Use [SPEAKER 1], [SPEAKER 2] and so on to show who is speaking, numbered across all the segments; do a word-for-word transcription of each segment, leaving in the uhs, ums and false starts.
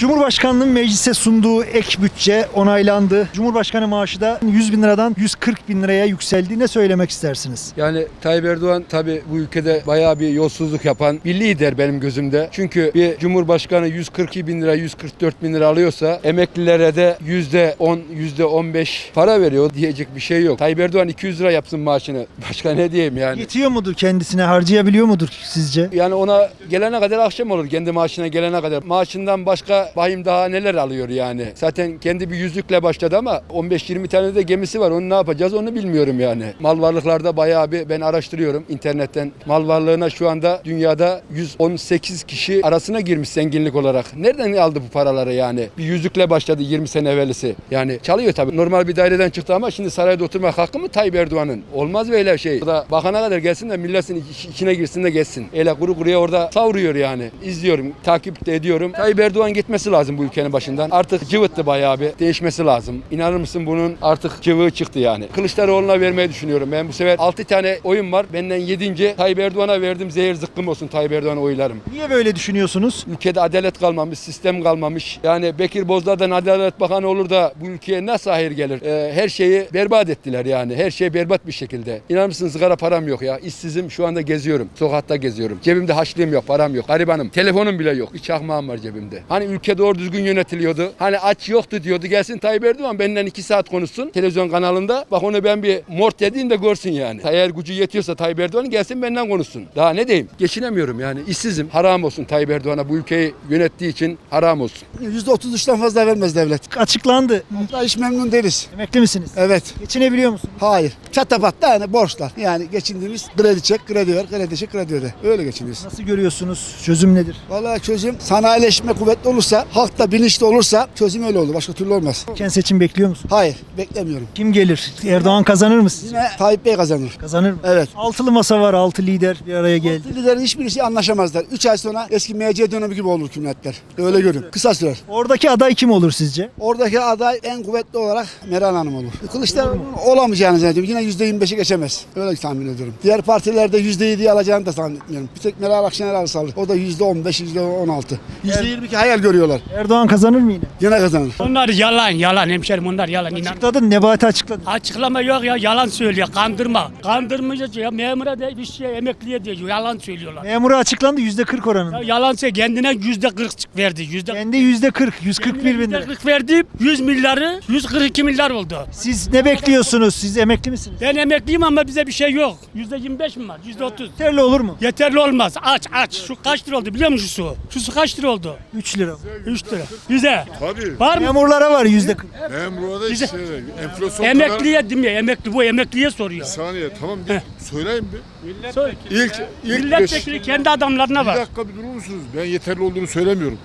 [SPEAKER 1] Cumhurbaşkanlığının meclise sunduğu ek bütçe onaylandı. Cumhurbaşkanı maaşı da yüz bin liradan yüz kırk bin liraya yükseldi. Ne söylemek istersiniz?
[SPEAKER 2] Yani Tayyip Erdoğan tabii bu ülkede bayağı bir yolsuzluk yapan bir lider benim gözümde. Çünkü bir Cumhurbaşkanı yüz kırk iki bin lira, yüz kırk dört bin lira alıyorsa emeklilere de yüzde on, yüzde on beş para veriyor diyecek bir şey yok. Tayyip Erdoğan iki yüz lira yapsın maaşını. Başka ne diyeyim yani?
[SPEAKER 1] Yetiyor mudur kendisine? Harcayabiliyor mudur sizce?
[SPEAKER 2] Yani ona gelene kadar akşam olur. Kendi maaşına gelene kadar. Maaşından başka bahim daha neler alıyor yani. Zaten kendi bir yüzlükle başladı ama on beş yirmi tane de gemisi var. Onu ne yapacağız onu bilmiyorum yani. Mal varlıklarda bayağı bir ben araştırıyorum internetten. Mal varlığına şu anda dünyada yüz on sekiz kişi arasına girmiş zenginlik olarak. Nereden aldı bu paraları yani? Bir yüzlükle başladı yirmi sene evvelisi. Yani çalıyor tabii. Normal bir daireden çıktı ama şimdi sarayda oturmak hakkı mı Tayyip Erdoğan'ın? Olmaz böyle şey. Orada bakana kadar gelsin de milletin içine girsin de geçsin. Öyle kuru kuruya orada savuruyor yani. İzliyorum, takip de ediyorum. Tayyip Erdoğan gitmesi lazım bu ülkenin başından. Artık cıvıttı bayağı bir. Değişmesi lazım. İnanır mısın bunun artık cıvığı çıktı yani. Kılıçdaroğlu'na vermeyi düşünüyorum. Ben bu sefer altı tane oyun var. Benden yedinci Tayyip Erdoğan'a verdim. Zehir zıkkım olsun Tayyip Erdoğan'a oylarım.
[SPEAKER 1] Niye böyle düşünüyorsunuz?
[SPEAKER 2] Ülkede adalet kalmamış, sistem kalmamış. Yani Bekir Bozdağ'dan Adalet Bakanı olur da bu ülkeye nasıl hayır gelir? Ee, her şeyi berbat ettiler yani. Her şey berbat bir şekilde. İnanır mısın sigara param yok ya. İşsizim şu anda geziyorum. Sokakta geziyorum. Cebimde haçlığım yok, param yok. Garibanım. Telefonum bile yok. Bir çakmağım var cebimde. Hani ülke doğru düzgün yönetiliyordu. Hani aç yoktu diyordu. Gelsin Tayyip Erdoğan benden iki saat konuşsun. Televizyon kanalında. Bak onu ben bir mort dediğim de görsün yani. Eğer gücü yetiyorsa Tayyip Erdoğan gelsin benden konuşsun. Daha ne diyeyim? Geçinemiyorum yani. İşsizim. Haram olsun Tayyip Erdoğan'a bu ülkeyi yönettiği için haram olsun.
[SPEAKER 3] yüzde otuz üçten fazla vermez devlet.
[SPEAKER 1] Açıklandı.
[SPEAKER 3] Hatta hiç memnun değiliz.
[SPEAKER 1] Emekli misiniz?
[SPEAKER 3] Evet.
[SPEAKER 1] Geçinebiliyor musunuz?
[SPEAKER 3] Hayır. Çatapatta yani borçlar. Yani geçindiğimiz kredi çek, kredi ver, kredi çek, kredi öde. Öyle geçiniyoruz.
[SPEAKER 1] Nasıl görüyorsunuz? Çözüm nedir?
[SPEAKER 3] Vallahi çözüm sanayileşme kuvvetli olursa, halk da bilinçli olursa çözüm öyle olur. Başka türlü olmaz.
[SPEAKER 1] Erken seçim bekliyor musunuz?
[SPEAKER 3] Hayır. Beklemiyorum.
[SPEAKER 1] Kim gelir? Erdoğan kazanır mı sizce?
[SPEAKER 3] Yine Tayyip Bey kazanır.
[SPEAKER 1] Kazanır mı?
[SPEAKER 3] Evet.
[SPEAKER 1] Altılı masa var. Altı lider bir araya geldi.
[SPEAKER 3] Liderlerin hiçbirisi anlaşamazlar. üç ay sonra eski M C dönemi gibi olur hükümetler. Öyle görün. Kısa sürer.
[SPEAKER 1] Oradaki aday kim olur sizce?
[SPEAKER 3] Oradaki aday en kuvvetli olarak Meral Hanım olur. Kılıçdaroğlu'nun olamayacağını zannediyorum. Yine yüzde yirmi beşi geçemez. Öyle tahmin ediyorum. Diğer partilerde yüzde yediyi alacağını da zannetmiyorum. Bir tek Meral Akşener alırsa alır. O da yüzde on beş, yüzde on altı. yüzde yirmi iki hayal görüyorlar.
[SPEAKER 1] Erdoğan kazanır mı yine?
[SPEAKER 3] Yine kazanır.
[SPEAKER 4] Onlar yalan yalan hemşerim onlar yalan inan.
[SPEAKER 1] Açıkladı. Nebati açıkladı.
[SPEAKER 4] Açıklama yok ya yalan söylüyor kandırma. Kandırmayacak ya memura da bir şey emekliye diyor yalan söylüyorlar.
[SPEAKER 1] Memura açıklandı yüzde kırk oranında.
[SPEAKER 4] Ya yalan söylüyor kendine yüzde kırk verdi yüzde.
[SPEAKER 1] Kendi yüzde kırk, yüz kırk bir bin lira.
[SPEAKER 4] Yüzde kırk verdi yüz milyarı yüz kırk iki milyar oldu.
[SPEAKER 1] Siz ne bekliyorsunuz? Siz emekli misiniz?
[SPEAKER 4] Ben emekliyim ama bize bir şey yok. Yüzde yirmi beş mi var? Yüzde otuz.
[SPEAKER 1] Yeterli olur mu?
[SPEAKER 4] Yeterli olmaz. Aç aç. Şu kaç lira oldu biliyor musun şu su? Şu su kaç lira oldu?
[SPEAKER 1] üç lira.
[SPEAKER 4] üç lira. Güzel.
[SPEAKER 5] Tabii.
[SPEAKER 4] Var mı?
[SPEAKER 1] Memurlara var yüzde kırk.
[SPEAKER 5] Memura da işte enflasyon
[SPEAKER 4] Emekliye değil mi? Emekli bu emekliye soruyor.
[SPEAKER 5] kadar... Saniye tamam bir söyleyeyim bir.
[SPEAKER 4] Sor.
[SPEAKER 5] İlk, ilk
[SPEAKER 4] Milletvekili
[SPEAKER 5] beş...
[SPEAKER 4] kendi adamlarına
[SPEAKER 5] Bir
[SPEAKER 4] var.
[SPEAKER 5] dakika bir durur musunuz? Ben yeterli olduğunu söylemiyorum.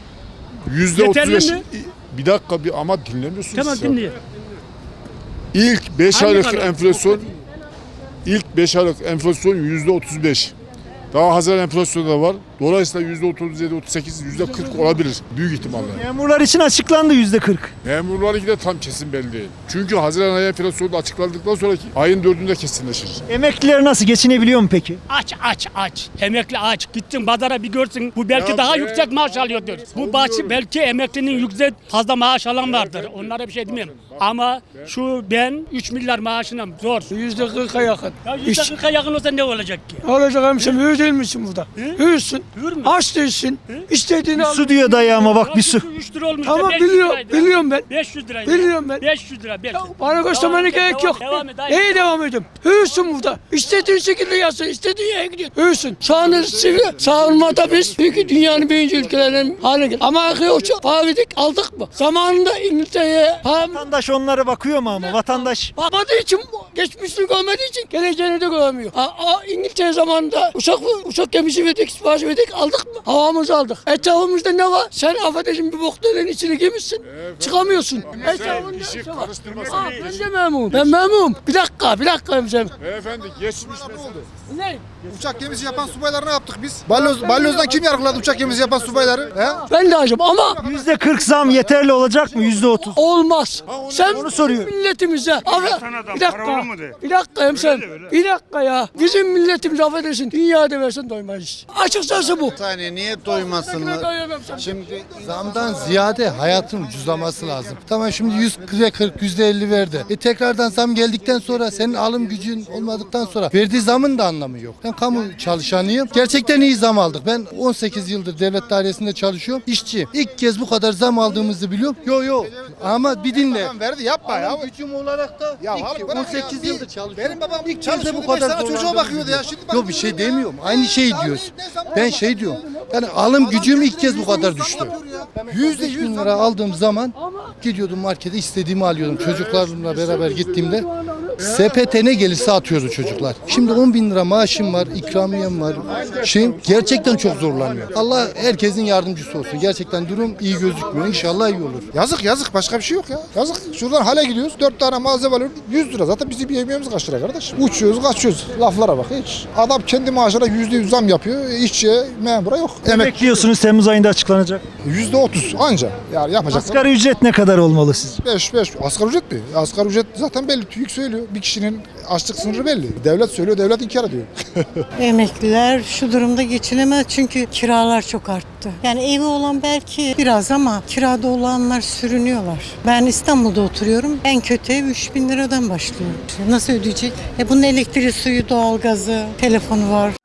[SPEAKER 5] Yüzde otuz
[SPEAKER 4] Yeterli
[SPEAKER 5] beş...
[SPEAKER 4] mi?
[SPEAKER 5] Bir dakika bir ama dinlemiyorsunuz.
[SPEAKER 4] Tamam
[SPEAKER 5] siz ya.
[SPEAKER 4] dinliyor.
[SPEAKER 5] İlk beş
[SPEAKER 4] Hangi
[SPEAKER 5] aylık
[SPEAKER 4] kanal?
[SPEAKER 5] enflasyon... İlk beş aylık enflasyon yüzde otuz beş. Daha Haziran enflasyonu da var. Dolayısıyla yüzde otuz yedi, otuz sekiz, yüzde kırk olabilir. Büyük ihtimalle.
[SPEAKER 1] Memurlar için açıklandı yüzde kırk.
[SPEAKER 5] Memurlarınki de tam kesin belli değil. Çünkü Haziran ayı enflasyonu da açıklandıktan sonraki ayın dördünde kesinleşir.
[SPEAKER 1] Emekliler nasıl? Geçinebiliyor mu peki?
[SPEAKER 4] Aç aç aç. Emekli aç. Gittin pazara bir görsün. Bu belki
[SPEAKER 5] Ya
[SPEAKER 4] daha
[SPEAKER 5] ben-
[SPEAKER 4] yüksek maaş alıyordur. Bu bahçe belki emeklinin yüksek fazla maaş alan vardır. Onlara bir şey demiyorum. Ama şu ben üç milyar maaşına zor.
[SPEAKER 6] Yüzde kırka yakın.
[SPEAKER 4] Ya yüzde kırka yakın olsa ne olacak ki?
[SPEAKER 6] Ne olacak hemşerim? Hür değil misin burada? Hürsün.
[SPEAKER 4] Hür mü?
[SPEAKER 6] Aç değilsin. İstediğini al.
[SPEAKER 1] Su diyor dayı ama bak bir su.
[SPEAKER 4] üç lira olmuş.
[SPEAKER 6] Tamam,
[SPEAKER 4] beş yüz
[SPEAKER 6] biliyorum,
[SPEAKER 4] liraydı.
[SPEAKER 6] biliyorum ben.
[SPEAKER 4] beş yüz liraydı.
[SPEAKER 6] Biliyorum ben.
[SPEAKER 4] beş yüz lira. beş yüz.
[SPEAKER 6] Bana göstermene
[SPEAKER 4] Devam et,
[SPEAKER 6] gerek
[SPEAKER 4] devam
[SPEAKER 6] yok.
[SPEAKER 4] et, Devam et. Hayır.
[SPEAKER 6] İyi devam ediyorum. Hürsün burada. İstediğin şekilde yazsın. İstediğin yere gidiyorsun. Hürsün. Sağını sivri. Savunmada biz çünkü dünyanın birinci ülkelerinin haline geldik. Ama arkaya uçak pahalıydık aldık mı? Zamanında İngiltere'ye pahalı.
[SPEAKER 1] Vatandaş onlara bakıyor mu ama? Vatandaş
[SPEAKER 6] Bakmadığı için, geçmişini görmediği için geleceğini de görmüyor. A, a, İngiltere zamanında uçak uçak gemisi verdik, sipariş verdik, aldık mı? Havamızı aldık. Etrafımızda ne var? Sen affedersin bir boktanın içine girmişsin, çıkamıyorsun. Etrafında
[SPEAKER 5] işi
[SPEAKER 6] ne var?
[SPEAKER 5] karıştırmasın.
[SPEAKER 6] Aa, ben de memnunum. Ben memnunum. Bir dakika, bir dakika hemşerim.
[SPEAKER 5] Beyefendi geçmiş mesele.
[SPEAKER 6] Ne?
[SPEAKER 7] Uçak gemisi yapan subayları ne yaptık biz? Balyoz, balyozdan kim yargıladı uçak gemisi yapan subayları? He?
[SPEAKER 6] Ben de acım ama
[SPEAKER 1] yüzde kırk zam yeterli olacak mı? Yüzde otuz.
[SPEAKER 6] olmaz. Sen
[SPEAKER 1] onu soruyorum.
[SPEAKER 6] milletimize. Abi, bir dakika. Bir dakika hemşerim. Bir dakika ya. Bizim milletimiz affedersin. Dünyada versen doymayız. Açık söz Nasıl bu?
[SPEAKER 8] Saniye niye doymasınlar?
[SPEAKER 6] Doyamam sen.
[SPEAKER 8] Şimdi
[SPEAKER 9] Zamdan ziyade hayatın ucuzlaması lazım. Tamam şimdi yüzde kırk, yüzde elli verdi. E tekrardan zam geldikten sonra senin alım gücün olmadıktan sonra verdiği zamın da anlamı yok. Ben kamu çalışanıyım. Gerçekten iyi zam aldık. Ben on sekiz yıldır devlet dairesinde çalışıyorum. İşçi. İlk kez bu kadar zam aldığımızı biliyorum. Yo yo. Ama bir dinle.
[SPEAKER 7] Tamam verdi yapma ya.
[SPEAKER 9] Alım gücüm olarak da
[SPEAKER 7] Ya
[SPEAKER 9] ilk
[SPEAKER 7] abi bırak
[SPEAKER 9] on
[SPEAKER 7] ya.
[SPEAKER 9] sekiz
[SPEAKER 7] Bir-
[SPEAKER 9] yıldır çalışıyorum.
[SPEAKER 7] Benim babam
[SPEAKER 9] İlk kez de
[SPEAKER 7] çalışıyordu,
[SPEAKER 9] bu
[SPEAKER 7] beş
[SPEAKER 9] kadar
[SPEAKER 7] tane çocuğa
[SPEAKER 9] zorlandığımı
[SPEAKER 7] bakıyordu ya.
[SPEAKER 9] biliyorum.
[SPEAKER 7] Şimdi bak-
[SPEAKER 9] Yok bir şey demiyorum. Aynı şeyi diyoruz. Ben şey diyorum. Yani alım gücüm ilk kez bu kadar düştü. Yüzde yüz bin lira aldığım zaman gidiyordum markete istediğimi alıyordum. Çocuklarımla beraber gittiğimde sepete ne gelirse atıyordu çocuklar. Şimdi on bin lira maaşım var, ikramiyem var. Şey, gerçekten çok zorlanıyor. Allah herkesin yardımcısı olsun. Gerçekten durum iyi gözükmüyor. İnşallah iyi olur.
[SPEAKER 7] Yazık yazık başka bir şey yok ya. Yazık. Şuradan hale gidiyoruz. Dört tane malzeme alıyoruz. yüz lira. Zaten bizim yemeğimiz kaç lira kardeş? Uçuyoruz kaçıyoruz. Laflara bak hiç. Adam kendi maaşına yüzde yüz zam yapıyor. İşçiye, memura yok. Emek
[SPEAKER 1] Bekliyorsunuz Temmuz ayında açıklanacak.
[SPEAKER 7] yüzde otuz anca. Yani yapacaklar.
[SPEAKER 1] Asgari ücret ne kadar olmalı sizce?
[SPEAKER 7] beş beş. Asgari ücret mi? Asgari ücret zaten belli. TÜİK söylüyor. Bir kişinin açlık sınırı belli. Devlet söylüyor. Devlet inkar ediyor.
[SPEAKER 10] Emekliler şu durumda geçinemez çünkü kiralar çok arttı. Yani evi olan belki biraz ama kirada olanlar sürünüyorlar. Ben İstanbul'da oturuyorum. En kötü ev üç bin liradan başlıyor. Nasıl ödeyecek? E bunun elektriği, suyu, doğalgazı, telefonu var.